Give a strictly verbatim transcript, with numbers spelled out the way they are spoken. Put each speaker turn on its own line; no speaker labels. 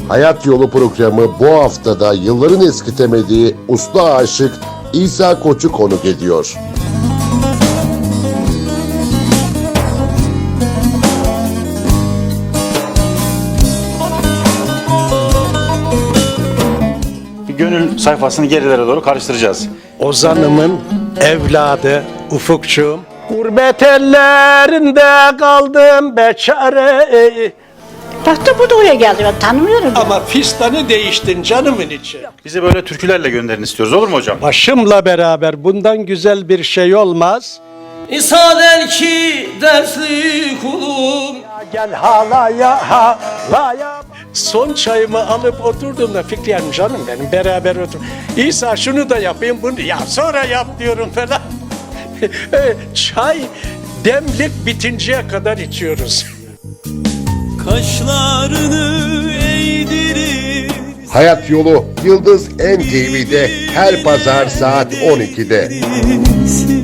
Hayat Yolu programı bu haftada yılların eskitemediği usta aşık İsa Koç'u konuk ediyor.
Gönül sayfasını gerilere doğru karıştıracağız.
Ozan'ımın evladı Ufukçuğum. Gurbet ellerinde kaldım beçare.
Baktım bu da oraya geldi, ben tanımıyorum. ya.
Ama fistanı değiştin canımın içi.
Bizi böyle türkülerle gönderin istiyoruz, olur mu hocam?
Başımla beraber bundan güzel bir şey olmaz.
İsa der ki dersli kulum,
Gel halaya halaya. Son çayımı alıp oturduğumda Fikriyem canım benim beraber otur. İsa şunu da yapayım bunu ya sonra yap diyorum falan. Çay demlik bitinceye kadar içiyoruz.
kaşlarını eğdirir.
Hayat Yolu Yıldız N T V'de her pazar saat on ikide.
Sil